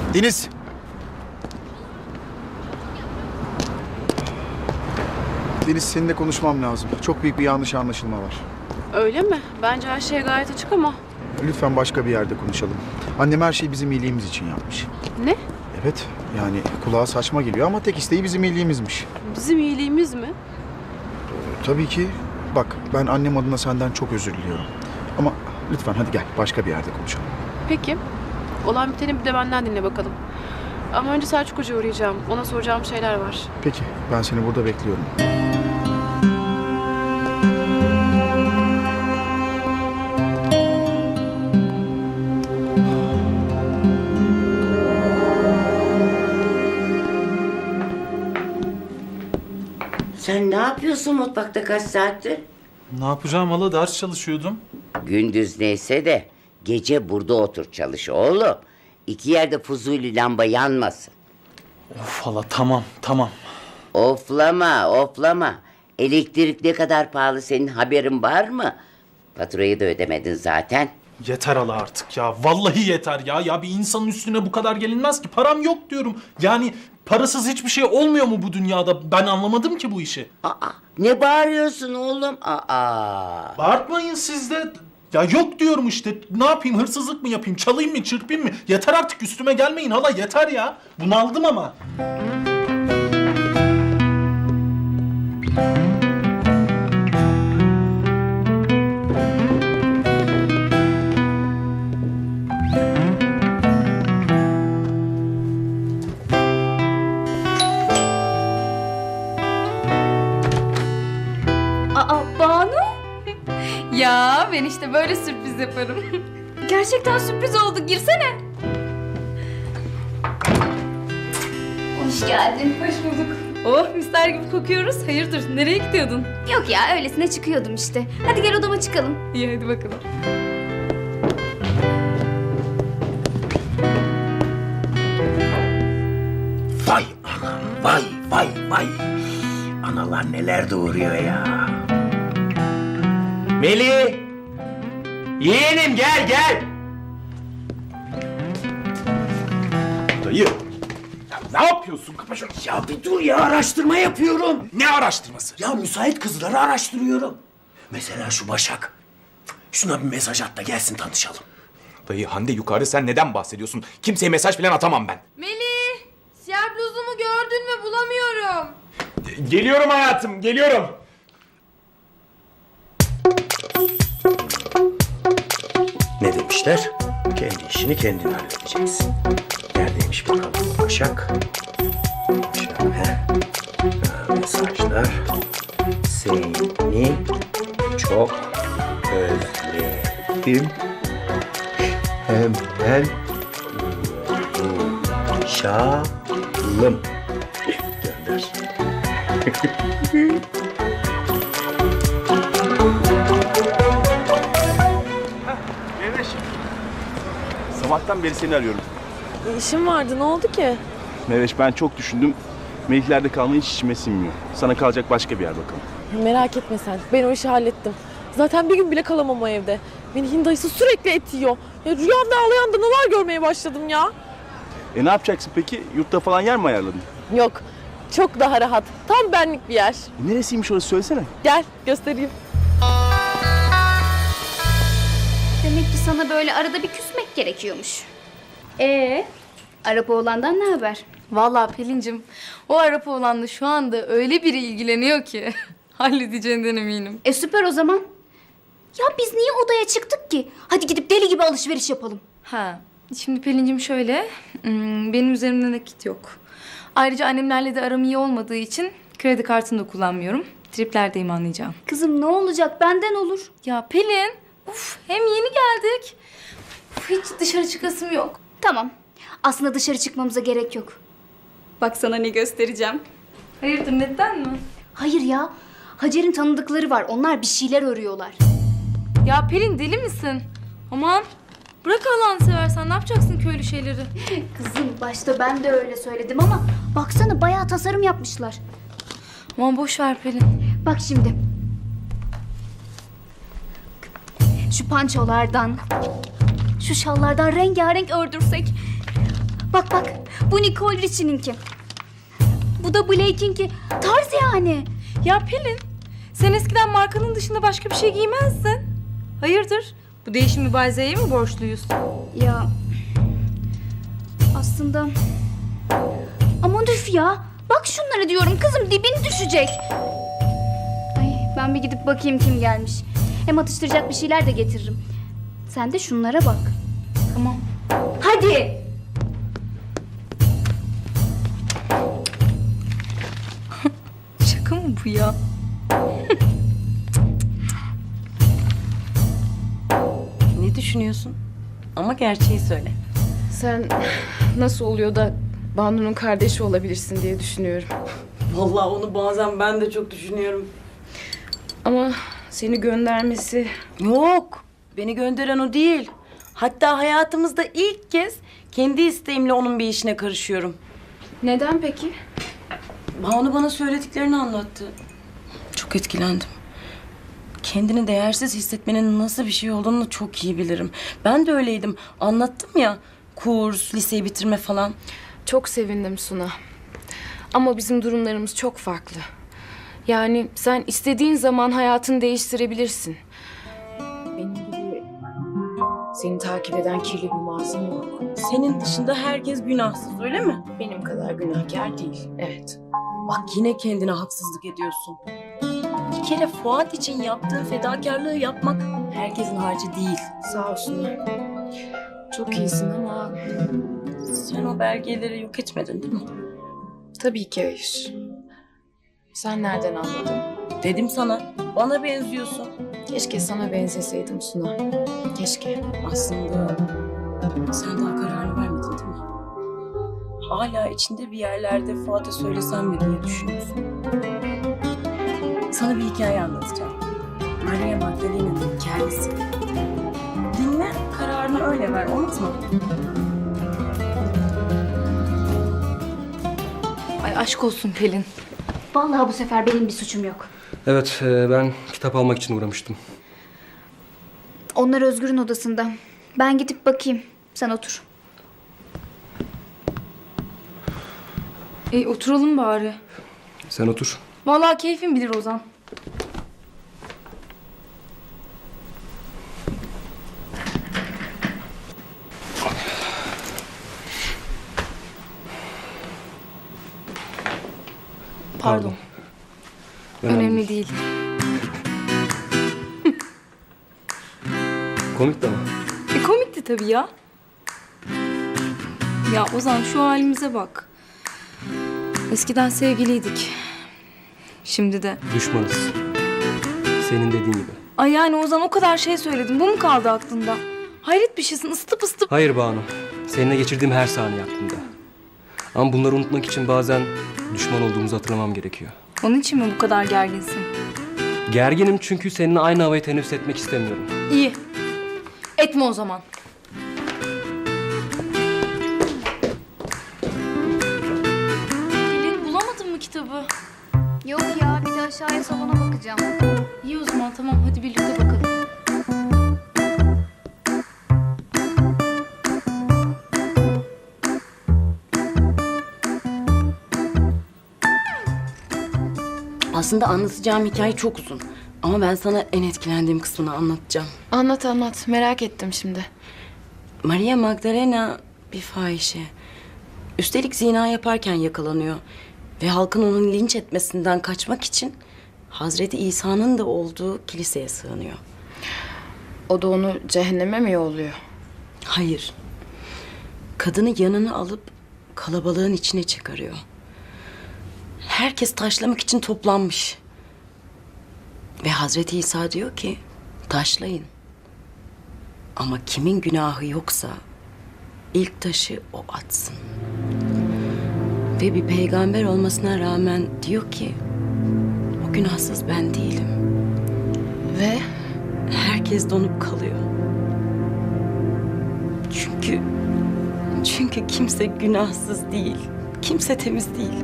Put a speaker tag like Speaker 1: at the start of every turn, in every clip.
Speaker 1: Deniz. Deniz, seninle konuşmam lazım. Çok büyük bir yanlış anlaşılma var.
Speaker 2: Öyle mi? Bence her şey gayet açık ama.
Speaker 1: Lütfen başka bir yerde konuşalım. Annem her şeyi bizim iyiliğimiz için yapmış.
Speaker 2: Ne?
Speaker 1: Evet, yani kulağa saçma geliyor ama tek isteği bizim iyiliğimizmiş.
Speaker 2: Bizim iyiliğimiz mi?
Speaker 1: Tabii ki. Bak, ben annem adına senden çok özür diliyorum. Ama lütfen hadi gel, başka bir yerde konuşalım.
Speaker 2: Peki. Olan biteni bir de benden dinle bakalım. Ama önce Selçuk Hoca'ya uğrayacağım. Ona soracağım şeyler var.
Speaker 1: Peki, ben seni burada bekliyorum.
Speaker 3: Sen ne yapıyorsun mutfakta kaç saattir?
Speaker 4: Ne yapacağım hala, ders çalışıyordum.
Speaker 3: Gündüz neyse de gece burada otur çalış oğlum. İki yerde fuzuli lamba yanmasın.
Speaker 4: Of hala, tamam.
Speaker 3: Oflama. Elektrik ne kadar pahalı, senin haberin var mı? Faturayı da ödemedin zaten.
Speaker 4: Yeter hala artık ya. Vallahi yeter ya. Ya bir insanın üstüne bu kadar gelinmez ki. Param yok diyorum. Yani parasız hiçbir şey olmuyor mu bu dünyada? Ben anlamadım ki bu işi.
Speaker 3: Ne bağırıyorsun oğlum? Aa.
Speaker 4: Bağırtmayın siz de. Ya yok diyorum işte. Ne yapayım? Hırsızlık mı yapayım? Çalayım mı? Çırpayım mı? Yeter artık, üstüme gelmeyin hala. Yeter ya. Bunaldım ama.
Speaker 5: Aa, Banu? Ya ben işte böyle sürpriz yaparım. Gerçekten sürpriz oldu, girsene. Hoş geldin. Hoş bulduk. Oh, misler gibi kokuyoruz. Hayırdır, nereye gidiyordun? Yok ya, öylesine çıkıyordum işte. Hadi gel odama çıkalım. İyi, hadi bakalım.
Speaker 6: Vay anam, vay. Analar neler doğuruyor ya. Melih! Yeğenim gel.
Speaker 7: Dayı, ya ne yapıyorsun? Kapa şunu.
Speaker 6: Ya bir dur ya, araştırma yapıyorum.
Speaker 7: Ne araştırması?
Speaker 6: Ya müsait kızları araştırıyorum. Mesela şu Başak. Şuna bir mesaj at da gelsin tanışalım.
Speaker 7: Dayı, Hande yukarıda, sen neden bahsediyorsun? Kimseye mesaj falan atamam ben.
Speaker 5: Melih, siyah bluzumu gördün mü? Bulamıyorum.
Speaker 7: Geliyorum hayatım, geliyorum.
Speaker 6: Ne demişler? Kendi işini kendin halledeceksin. Neredeymiş bakalım bu Başak? Şöyle. Mesajlar. Seni çok özledim. Hemen buluşalım. Gönder.
Speaker 8: Mehveş. Sabahtan beri seni arıyorum.
Speaker 9: İşim vardı, ne oldu ki?
Speaker 8: Mehveş, ben çok düşündüm. Meliklerde kalmayı hiç içime sinmiyor. Sana kalacak başka bir yer bakalım.
Speaker 9: Merak etme sen, ben o işi hallettim. Zaten bir gün bile kalamam o evde. Melih'in dayısı sürekli et yiyor. Ya rüyamda ağlayan danalar görmeye başladım ya.
Speaker 8: Ne yapacaksın peki? Yurtta falan yer mi ayarladın?
Speaker 9: Yok, çok daha rahat. Tam benlik bir yer.
Speaker 8: Neresiymiş orası, söylesene.
Speaker 9: Gel, göstereyim.
Speaker 5: Demek ki sana böyle arada bir küsmek gerekiyormuş. Arap oğlandan ne haber?
Speaker 10: Vallahi Pelin'cim, o Arap oğlanla şu anda öyle biri ilgileniyor ki halledeceğinden eminim.
Speaker 5: Süper o zaman. Ya biz niye odaya çıktık ki? Hadi gidip deli gibi alışveriş yapalım.
Speaker 10: Ha, şimdi Pelin'cim şöyle, benim üzerimde nakit yok. Ayrıca annemlerle de aram iyi olmadığı için kredi kartını da kullanmıyorum. Triplerdeyim, anlayacağım.
Speaker 5: Kızım ne olacak, benden olur.
Speaker 10: Ya Pelin, hem yeni geldik. Hiç dışarı çıkasım yok.
Speaker 5: Tamam. Aslında dışarı çıkmamıza gerek yok. Bak sana ne göstereceğim.
Speaker 10: Hayırdır, neden mi?
Speaker 5: Hayır ya. Hacer'in tanıdıkları var. Onlar bir şeyler örüyorlar.
Speaker 10: Ya Pelin, deli misin? Aman bırak Allah'ını seversen, ne yapacaksın köylü şeyleri?
Speaker 5: Kızım başta ben de öyle söyledim ama baksana bayağı tasarım yapmışlar.
Speaker 10: Aman boş ver Pelin.
Speaker 5: Bak şimdi. Şu pançolardan, şu şallardan rengarenk ördürsek Bak bak, bu Nicole Richie'ninki. Bu da Blake'inki. Tarz yani.
Speaker 10: Ya Pelin, sen eskiden markanın dışında başka bir şey giymezdin. Hayırdır? Bu değişim mübalezeye mi borçluyuz?
Speaker 5: Ya aslında... Aman üf ya. Bak şunlara diyorum kızım, dibin düşecek. Ay, ben bir gidip bakayım kim gelmiş. Hem atıştıracak bir şeyler de getiririm. Sen de şunlara bak.
Speaker 10: Tamam.
Speaker 5: Hadi.
Speaker 10: Şaka mı bu ya?
Speaker 11: Ne düşünüyorsun? Ama gerçeği söyle.
Speaker 2: Sen nasıl oluyor da Banu'nun kardeşi olabilirsin diye düşünüyorum.
Speaker 11: Vallahi onu bazen ben de çok düşünüyorum.
Speaker 2: Ama seni göndermesi...
Speaker 11: Yok, beni gönderen o değil. Hatta hayatımızda ilk kez kendi isteğimle onun bir işine karışıyorum.
Speaker 2: Neden peki?
Speaker 11: Banu bana söylediklerini anlattı. Çok etkilendim. Kendini değersiz hissetmenin nasıl bir şey olduğunu çok iyi bilirim. Ben de öyleydim. Anlattım ya. Kurs, liseyi bitirme falan.
Speaker 2: Çok sevindim Suna. Ama bizim durumlarımız çok farklı. Yani sen istediğin zaman hayatını değiştirebilirsin. Benim gibi seni takip eden kirli bir mazim yok.
Speaker 11: Senin dışında herkes günahsız, öyle mi?
Speaker 2: Benim kadar günahkar değil, evet.
Speaker 11: Bak yine kendine haksızlık ediyorsun. Bir kere Fuat için yaptığın fedakarlığı yapmak herkesin harcı değil.
Speaker 2: Sağ ol Suna. Çok iyisin ama...
Speaker 11: Sen o belgeleri yok etmedin değil mi?
Speaker 2: Tabii ki hayır. Sen nereden anladın?
Speaker 11: Dedim sana, bana benziyorsun.
Speaker 2: Keşke sana benzeseydim Suna. Keşke.
Speaker 11: Aslında sen daha kararını vermedin değil mi? Hala içinde bir yerlerde Fuat'a söylesem mi diye düşünüyorsun. Sana bir hikaye anlatacağım. Maria Magdalena'nın hikayesi. Dinle, kararını öyle ver, unutma.
Speaker 10: Ay aşk olsun Pelin.
Speaker 5: Vallahi bu sefer benim bir suçum yok.
Speaker 12: Evet, ben kitap almak için uğramıştım.
Speaker 5: Onlar Özgür'ün odasında. Ben gidip bakayım. Sen otur.
Speaker 10: Oturalım bari.
Speaker 12: Sen otur.
Speaker 10: Vallahi keyfin bilir Ozan. Pardon. Önemli değil.
Speaker 12: Komik de ama.
Speaker 10: Komikti tabii ya. Ya Ozan şu halimize bak. Eskiden sevgiliydik. Şimdi de.
Speaker 12: Düşmanız. Senin dediğin gibi.
Speaker 10: Ay yani Ozan o kadar şey söyledim. Bu mu kaldı aklında? Hayret bir şeysin, ısıtıp ısıtıp.
Speaker 12: Hayır Banu. Seninle geçirdiğim her saniye aklımda. Ama bunları unutmak için bazen düşman olduğumuzu hatırlamam gerekiyor.
Speaker 10: Onun için mi bu kadar gerginsin?
Speaker 12: Gerginim çünkü seninle aynı havayı teneffüs etmek istemiyorum.
Speaker 10: İyi. Etme o zaman. Pelin bulamadın mı kitabı?
Speaker 5: Yok ya, bir de aşağıya salona bakacağım.
Speaker 10: İyi o zaman tamam hadi birlikte bakalım.
Speaker 11: Aslında anlatacağım hikaye çok uzun. Ama ben sana en etkilendiğim kısmını anlatacağım.
Speaker 2: Anlat anlat. Merak ettim şimdi.
Speaker 11: Maria Magdalena bir fahişe. Üstelik zina yaparken yakalanıyor. Ve halkın onun linç etmesinden kaçmak için Hazreti İsa'nın da olduğu kiliseye sığınıyor.
Speaker 2: O da onu cehenneme mi yolluyor?
Speaker 11: Hayır. Kadını yanına alıp kalabalığın içine çıkarıyor. Herkes taşlamak için toplanmış. Ve Hazreti İsa diyor ki taşlayın. Ama kimin günahı yoksa ilk taşı o atsın. Ve bir peygamber olmasına rağmen diyor ki o günahsız ben değilim.
Speaker 2: Ve?
Speaker 11: Herkes donup kalıyor. Çünkü kimse günahsız değil. Kimse temiz değil.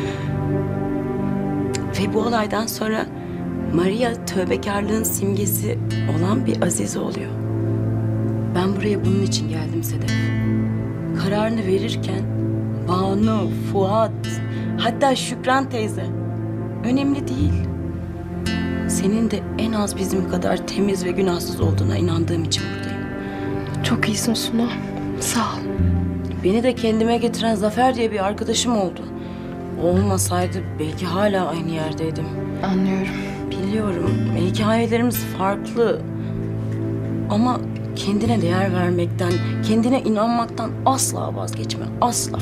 Speaker 11: Ve bu olaydan sonra Maria tövbekarlığın simgesi olan bir azize oluyor. Ben buraya bunun için geldim Sedef. kararını verirken Banu, Fuat, hatta Şükran teyze önemli değil. Senin de en az bizim kadar temiz ve günahsız olduğuna inandığım için buradayım.
Speaker 2: Çok iyisin Suna. Sağ ol.
Speaker 11: Beni de kendime getiren Zafer diye bir arkadaşım oldu. O olmasaydı belki hala aynı yerdeydim.
Speaker 2: Anlıyorum.
Speaker 11: Biliyorum, hikayelerimiz farklı. Ama kendine değer vermekten, kendine inanmaktan asla vazgeçme, asla.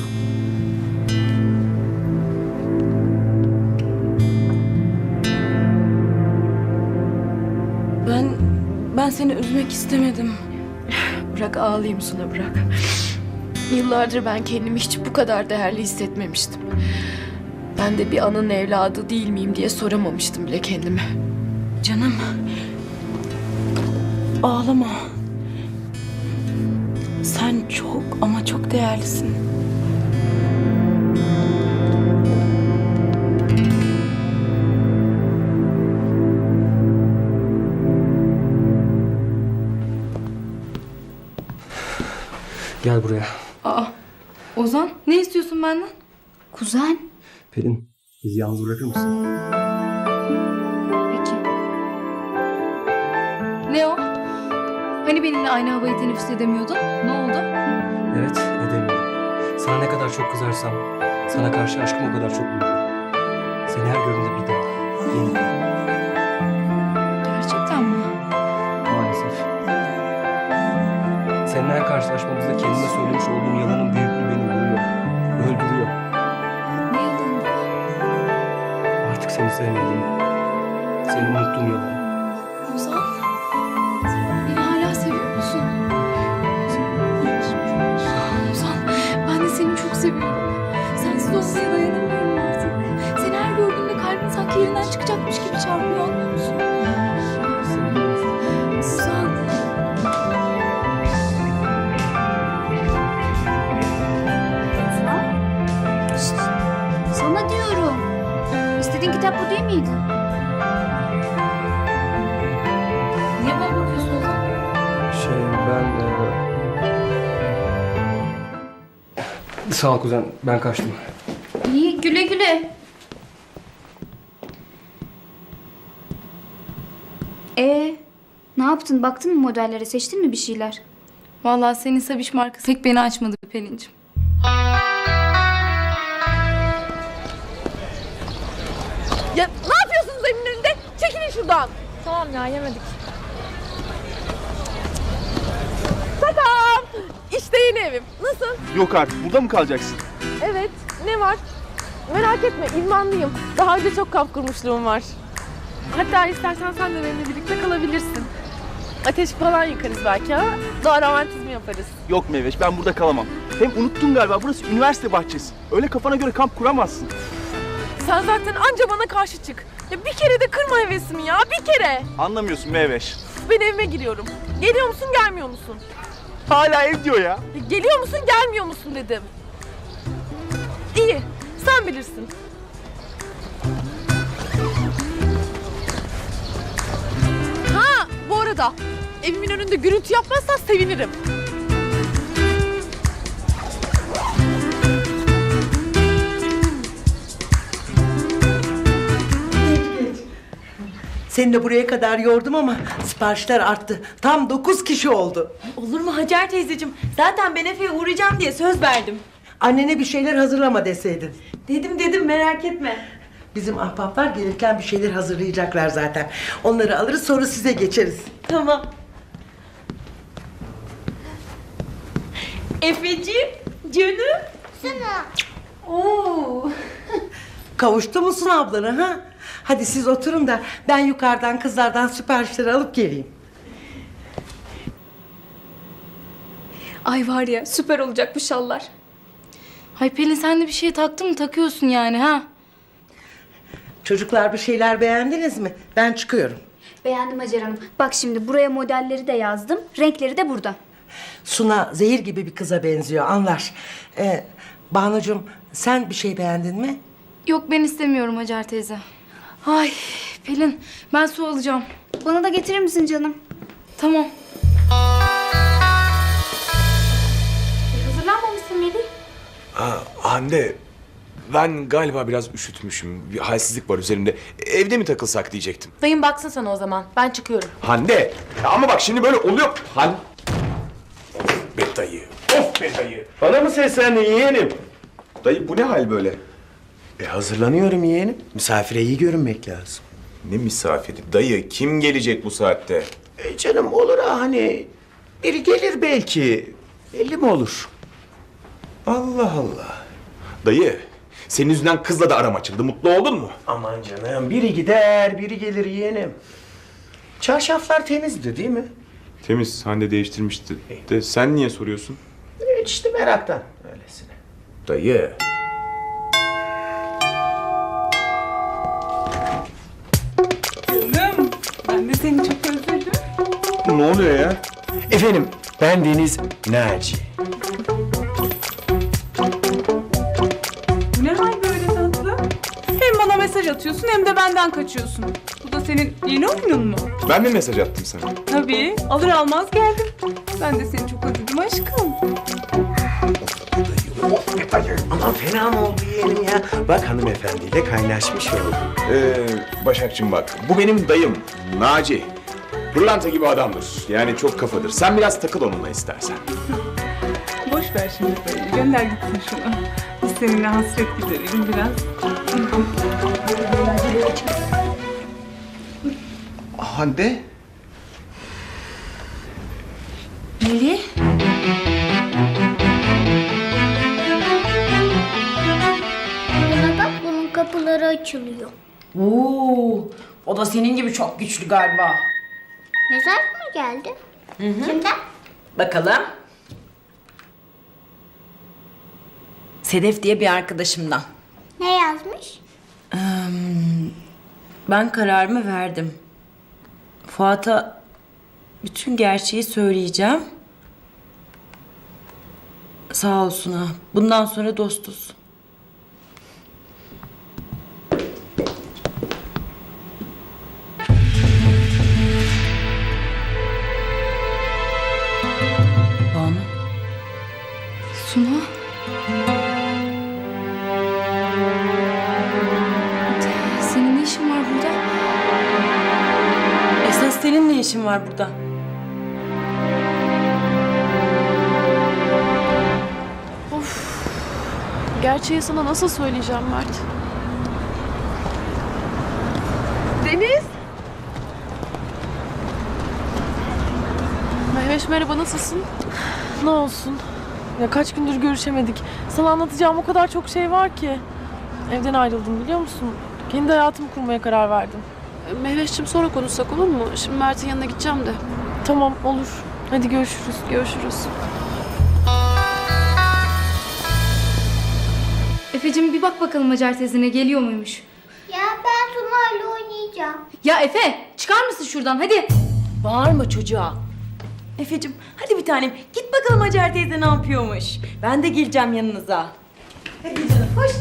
Speaker 11: Ben seni üzmek istemedim.
Speaker 2: Bırak ağlayayım Suna, bırak. Yıllardır ben kendimi hiç bu kadar değerli hissetmemiştim. Ben de bir anın evladı değil miyim diye soramamıştım bile kendime.
Speaker 11: Canım, ağlama. Sen çok ama çok değerlisin.
Speaker 12: Gel buraya.
Speaker 10: Aa, Ozan ne istiyorsun benden?
Speaker 5: Kuzen.
Speaker 12: Pelin, bizi yalnız bırakır mısın?
Speaker 5: Peki.
Speaker 10: Ne o? Hani benimle aynı havayı teneffüs edemiyordun? Ne oldu?
Speaker 12: Evet, edemiyorum. Sana ne kadar çok kızarsam, sana karşı aşkım o kadar çok büyüyor. Seni her gördüğümde bir daha, yeniden.
Speaker 10: Gerçekten mi?
Speaker 12: Maalesef. Seninle her karşılaşmamızda kendime söylemiş olduğum yalanın büyüklüğü beni vuruyor, öldürüyor.
Speaker 10: Ne yalan?
Speaker 12: Artık seni sevmediğim, seni unuttuğum yalan.
Speaker 10: Ozan, beni hala seviyor musun? Ozan, ben de seni çok seviyorum. Sensiz olmaya dayanamıyorum artık. Seni her gördüğümde kalbim sanki yerinden çıkacakmış gibi çarpıyor, anlıyor musun? Ozan.
Speaker 5: Sana diyorum. İstediğin kitap bu değil miydi?
Speaker 10: Niye bana bakıyorsun Ozan?
Speaker 12: Sağ ol kuzen, ben kaçtım.
Speaker 5: İyi, güle güle. Ne yaptın? Baktın mı modellere? Seçtin mi bir şeyler?
Speaker 10: Vallahi senin Sabiş markası pek beni açmadı Pelin'cim.
Speaker 9: Ya ne yapıyorsunuz evimin önünde? Çekilin şuradan. Tamam ya, yemedik. Takam. İşte yeni evim. Nasıl?
Speaker 8: Yok artık, burada mı kalacaksın?
Speaker 9: Evet. Ne var? Merak etme, idmanlıyım. Daha önce çok kamp kurmuşluğum var. Hatta istersen sen de benimle birlikte kalabilirsin. Ateş falan yakarız belki ha. Doğa romantizmi yaparız.
Speaker 8: Yok Meyveş, ben burada kalamam. Hem unuttun galiba, burası üniversite bahçesi. Öyle kafana göre kamp kuramazsın.
Speaker 9: Sen zaten anca bana karşı çık. Ya bir kere de kırma hevesimi ya, bir kere.
Speaker 8: Anlamıyorsun Meyveş.
Speaker 9: Ben evime giriyorum. Geliyor musun, gelmiyor musun?
Speaker 8: Hala ev diyor ya.
Speaker 9: Ya geliyor musun, gelmiyor musun dedim. İyi, sen bilirsin. Ha, bu arada evimin önünde gürültü yapmazsan sevinirim.
Speaker 13: Seni de buraya kadar yordum ama siparişler arttı. Tam 9 kişi oldu.
Speaker 11: Olur mu Hacer teyzeciğim? Zaten ben Efe'ye uğrayacağım diye söz verdim.
Speaker 13: Annene bir şeyler hazırlama deseydin.
Speaker 11: Dedim merak etme.
Speaker 13: Bizim ahbaplar gelirken bir şeyler hazırlayacaklar zaten. Onları alırız, sonra size geçeriz.
Speaker 11: Tamam. Efeciğim, canım.
Speaker 5: Sana.
Speaker 11: Oo.
Speaker 13: Kavuştu musun ablana ha? Hadi siz oturun da ben yukarıdan kızlardan siparişleri alıp geleyim.
Speaker 10: Ay var ya, süper olacak bu şallar. Ay Pelin, sen de bir şeye taktın mı? Takıyorsun yani ha?
Speaker 13: Çocuklar bir şeyler beğendiniz mi? Ben çıkıyorum.
Speaker 5: Beğendim Hacer Hanım. Bak şimdi buraya modelleri de yazdım. Renkleri de burada.
Speaker 13: Suna zehir gibi bir kıza benziyor, anlar. Banucuğum, sen bir şey beğendin mi?
Speaker 10: Yok, ben istemiyorum Hacer teyze. Ay Pelin, ben su alacağım.
Speaker 5: Bana da getirir misin canım?
Speaker 10: Tamam. Hazırlanmamışsın
Speaker 7: Hande, ben galiba biraz üşütmüşüm. Bir halsizlik var üzerimde. Evde mi takılsak diyecektim.
Speaker 9: Dayım baksın sana o zaman. Ben çıkıyorum.
Speaker 7: Hande, ya ama bak şimdi böyle oluyor. Of be dayı, of be dayı.
Speaker 6: Bana mı seslendin yeğenim?
Speaker 7: Dayı bu ne hal böyle?
Speaker 6: Hazırlanıyorum yeğenim. Misafire iyi görünmek lazım.
Speaker 7: Ne misafiri? Dayı kim gelecek bu saatte?
Speaker 6: Canım olur ha hani. Biri gelir belki. Belli mi olur?
Speaker 7: Allah Allah. Dayı, senin yüzünden kızla da aram açıldı. Mutlu oldun mu?
Speaker 6: Aman canım biri gider biri gelir yeğenim. Çarşaflar temizdi değil mi?
Speaker 7: Temiz, Hande değiştirmişti. De sen niye soruyorsun?
Speaker 6: İşte meraktan öylesine.
Speaker 7: Dayı.
Speaker 10: Ben de seni çok özledim.
Speaker 7: Ne oluyor ya?
Speaker 6: Efendim ben Deniz Naci.
Speaker 10: Bu ne hal böyle tatlı? Hem bana mesaj atıyorsun hem de benden kaçıyorsun. Bu da senin yeni oyunun mu?
Speaker 7: Ben mi mesaj attım sana?
Speaker 10: Tabii. Alır almaz geldim. Ben de seni çok özledim aşkım.
Speaker 6: Aman fena mı oldu yeğenim ya? Bak hanımefendiyle kaynaşmış oldum.
Speaker 7: Başakçım bak, bu benim dayım Naci. Pırlanta gibi adamdır. Yani çok kafadır. Sen biraz takıl onunla istersen.
Speaker 10: Boş ver şimdi dayı. Gönder gitsin şunu. Biz seninle hasret giderelim biraz.
Speaker 1: Hande.
Speaker 11: Melih?
Speaker 5: Buna bak, bunun kapıları açılıyor.
Speaker 11: Oo, o da senin gibi çok güçlü galiba.
Speaker 5: Mesaj mı geldi? Kimden?
Speaker 11: Bakalım. Sedef diye bir arkadaşımdan.
Speaker 5: Ne yazmış?
Speaker 11: Ben kararımı verdim. Fuat'a bütün gerçeği söyleyeceğim. Sağ olsun ha. Bundan sonra dostuz. Banu.
Speaker 10: Suna. Senin ne işin var burada?
Speaker 11: Esas senin ne işin var burada?
Speaker 9: Gerçeği sana nasıl söyleyeceğim Mert? Deniz! Mehveş merhaba, nasılsın? Ne olsun? Ya kaç gündür görüşemedik. Sana anlatacağım o kadar çok şey var ki. Evden ayrıldım biliyor musun? Kendi hayatımı kurmaya karar verdim.
Speaker 14: Mehveş'cim sonra konuşsak olur mu? Şimdi Mert'in yanına gideceğim de.
Speaker 9: Tamam olur. Hadi görüşürüz.
Speaker 14: Görüşürüz.
Speaker 10: Efe'cim bir bak bakalım Hacer teyzene geliyor muymuş?
Speaker 5: Ya ben Sunay'la oynayacağım.
Speaker 10: Ya Efe çıkar mısın şuradan hadi.
Speaker 11: Bağırma çocuğa. Efe'cim hadi bir tanem git bakalım Hacer teyze ne yapıyormuş. Ben de geleceğim yanınıza. Hadi canım hoş.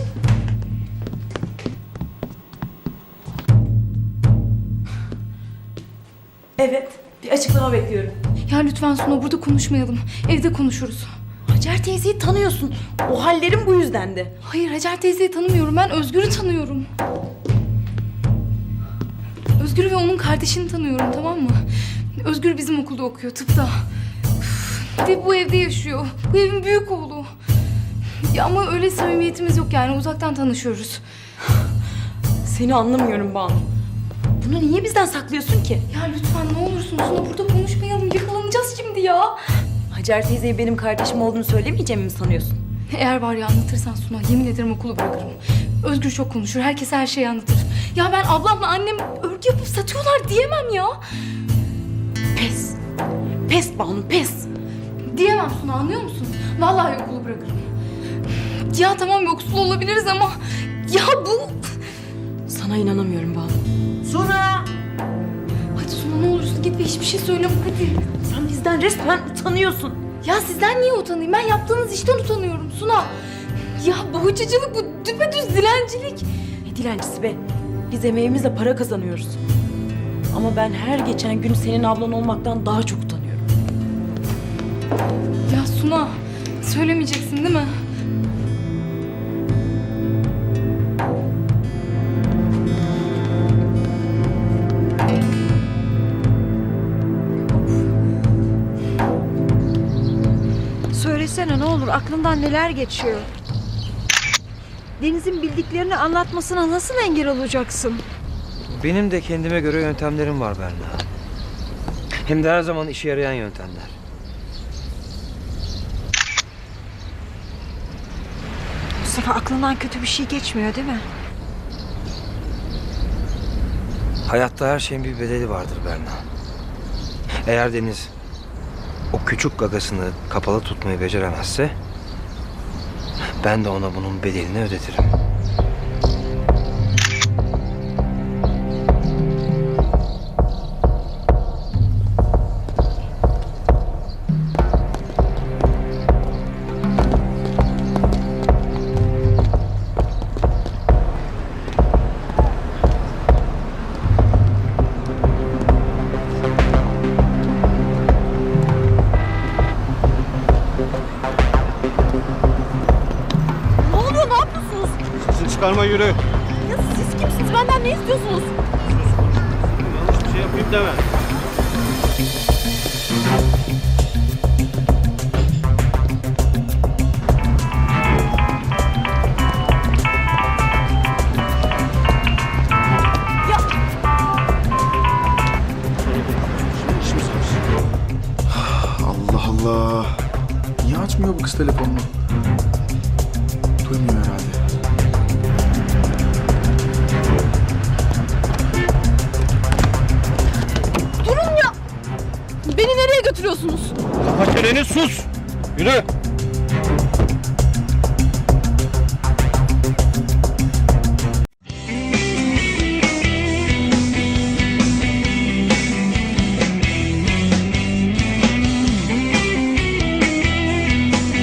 Speaker 11: Evet bir açıklama bekliyorum.
Speaker 10: Ya lütfen Suna burada konuşmayalım. Evde konuşuruz.
Speaker 11: Hacer teyzeyi tanıyorsun. O hallerim bu yüzdendi.
Speaker 10: Hayır Hacer teyzeyi tanımıyorum. Ben Özgür'ü tanıyorum. Özgür ve onun kardeşini tanıyorum, tamam mı? Özgür bizim okulda okuyor, tıpta. Üf, ve bu evde yaşıyor. Bu evin büyük oğlu. Ya ama öyle samimiyetimiz yok yani, uzaktan tanışıyoruz.
Speaker 11: Seni anlamıyorum Banu. Bunu niye bizden saklıyorsun ki?
Speaker 10: Ya lütfen ne olursun Suna burada konuşmayalım. Yakalanacağız şimdi ya.
Speaker 11: Hacer teyzeye benim kardeşim olduğunu söylemeyeceğimi mi sanıyorsun?
Speaker 10: Eğer var ya anlatırsan Suna, yemin ederim okulu bırakırım. Özgür çok konuşur, herkese her şeyi anlatır. Ya ben ablamla annem örgü yapıp satıyorlar diyemem ya.
Speaker 11: Pes. Pes Banu, pes.
Speaker 10: Diyemem Suna, anlıyor musun? Vallahi okulu bırakırım. Ya tamam yoksul olabiliriz ama... Ya bu...
Speaker 11: Sana inanamıyorum Banu.
Speaker 13: Suna!
Speaker 10: Hadi Suna ne olursun git ve hiçbir şey söyleme hadi.
Speaker 11: Sen bizden resmen utanıyorsun.
Speaker 10: Ya sizden niye utanayım? Ben yaptığınız işten utanıyorum Suna. Ya bohçacılık bu, düpedüz dilencilik.
Speaker 11: Ne dilencisi be? Biz emeğimizle para kazanıyoruz. Ama ben her geçen gün senin ablan olmaktan daha çok utanıyorum.
Speaker 10: Ya Suna, söylemeyeceksin değil mi?
Speaker 15: söylesene ne olur, aklından neler geçiyor? Deniz'in bildiklerini anlatmasına nasıl engel olacaksın?
Speaker 12: Benim de kendime göre yöntemlerim var Berna. Hem de her zaman işe yarayan yöntemler.
Speaker 15: Mustafa, aklından kötü bir şey geçmiyor değil mi?
Speaker 12: Hayatta her şeyin bir bedeli vardır Berna. Eğer Deniz o küçük gagasını kapalı tutmayı beceremezse ben de ona bunun bedelini ödetirim.
Speaker 9: Ne oluyor? Ne yapıyorsunuz?
Speaker 12: Sesini çıkarma, yürü.
Speaker 9: Ya siz kimsiniz? Benden ne istiyorsunuz?
Speaker 12: Yanlış bir şey yapayım deme.
Speaker 1: Allah Allah. Niye açmıyor bu kız telefonunu? Duymuyor herhalde.
Speaker 9: Durun ya! Beni nereye götürüyorsunuz?
Speaker 12: Kapat çeneni, sus. Yürü.